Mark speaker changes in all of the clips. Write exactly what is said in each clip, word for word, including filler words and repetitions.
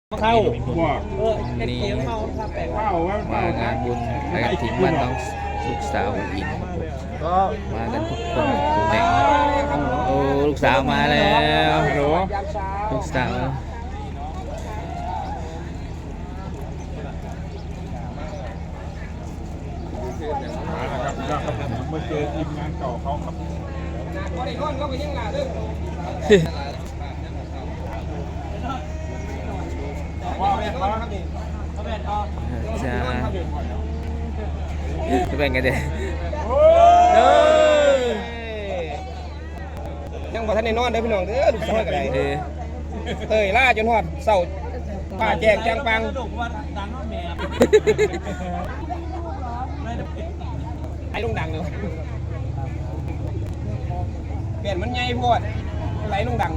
Speaker 1: เข้า
Speaker 2: ว่า
Speaker 1: เออเป็นเสียงเมาครับแต่ว่า
Speaker 2: เข้ามางานบุญไปกับทีมบ้านน้องลูกสาวอินก็มากันทุกคนทุกแห่งโอ้ลูกสาวมาแล้วลูกสาว
Speaker 3: มาแล้วครับครับมาเจอทีมงานเก่าเขาครับว่าแม่ครับ
Speaker 2: จ้าจะเป็นไงเด็ก
Speaker 1: ยังบ่ทันได้นอนเด้อพี่น้องเด้อลูกสาวก็ได้
Speaker 2: เออ
Speaker 1: เอ้ยล่าจนฮอดเช้าป้าแจกจังปังไอ้ลุงดังเลยเปลี่ยนมันใหญ่โพดไหลลุงดัง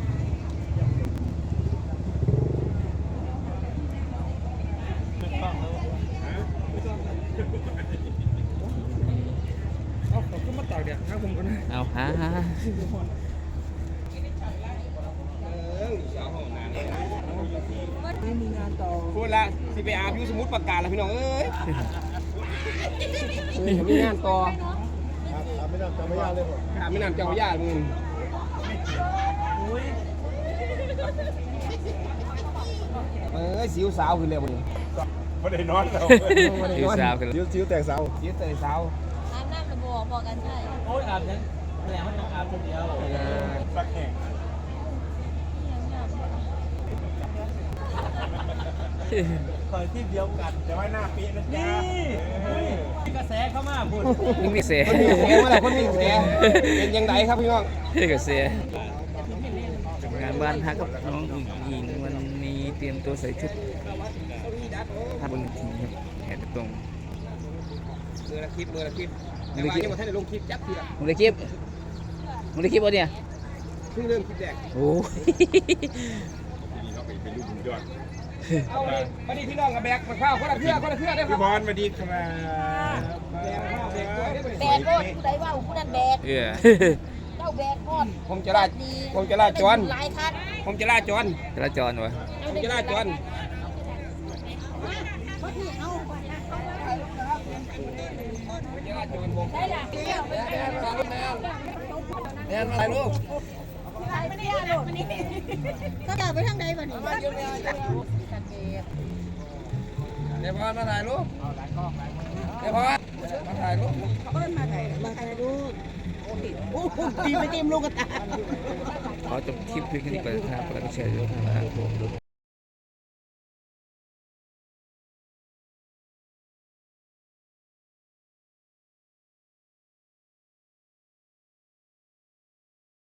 Speaker 1: เอาขอบคุณมาต่อเดี๋ยวข้างผมกันนะ
Speaker 2: เอาฮะฮะ
Speaker 1: พูดละสิไปอาบอยู่สมุดประกาศแล้วพี่น้องเอ้ยมีงานต่อถามไม่นำจังพยาเลยผมถามไม่นำจังพยามึงเอ้ยสิวสาวขึ้นเลยบุญ
Speaker 3: ไม่ได้นอนแล้ว
Speaker 2: อยู่สาวกัน
Speaker 3: ซิ้วซิ้วแตกเสา
Speaker 1: สิวเตยสาว
Speaker 4: อาบน้ำระบอกบอกกันใช่โอ้ยอาบนั้นแหลมมันต้องอาบคนเดียว
Speaker 3: สักแห่ง
Speaker 1: คอยที่เดียวกัน
Speaker 3: จะไว้หน้าปีนะจ๊ะ
Speaker 1: นี่กระแสเข้ามาพูด
Speaker 2: นี่มีเสีย
Speaker 1: คนมีเสียงเมื่อไหร่คนมีเสียงเป็นยังไงครับพี่น้อง
Speaker 2: กับเสียงานบ้านฮักกับน้องอุ๋งอิงวันนี้เตรียมตัวใส่ชุดภาพบนทีครับแหนตรง
Speaker 1: มือละคลิปมือละคลิปแต่ว่ายังไม่ทันได้ลงคลิปจับเพีย
Speaker 2: มึงได้คลิปมึงได้คลิปวะเนี่ย
Speaker 1: เพิ่งเริ่มคลิปแรก
Speaker 2: โอ้ย
Speaker 3: นี่เขาไปเป็นลูกบุญยอด
Speaker 1: เอาเลยมาดิพี่น้องกับแบกมาข้าวคนละเพื่อคนละเพื่อได้ครั
Speaker 3: พี่
Speaker 1: บบ
Speaker 3: อลมาดีครับ
Speaker 1: แบกข้าวแบกด้วยได้
Speaker 4: แบกโคตรผู้ใดว่าผู้นั้นแบก
Speaker 2: เออ
Speaker 4: เจ้าแบกโคตร
Speaker 1: ผมจะลาผมจะลาจร
Speaker 4: หลายคัน
Speaker 1: ผมจะลาจร
Speaker 2: จราจรวะ
Speaker 1: ผมจะลาจร
Speaker 4: ได้ละเที่ยวไปแบก
Speaker 1: แม่ถ่ายรูป
Speaker 4: ไม่ได้หรอกก็จะไปทางใดบ้างนี่
Speaker 1: เดี๋ยวพอมาถ่ายรูปเดี๋ยวพอมาถ่ายรูป
Speaker 4: เปิ้ลมาไหนมาใครดูโอ้โหตีไปเต็มลูกกระตา
Speaker 2: ขอจบคลิปเพียงแค่นี้ก่อนนะครับแล้วก็แชร์ด้วยนะครับ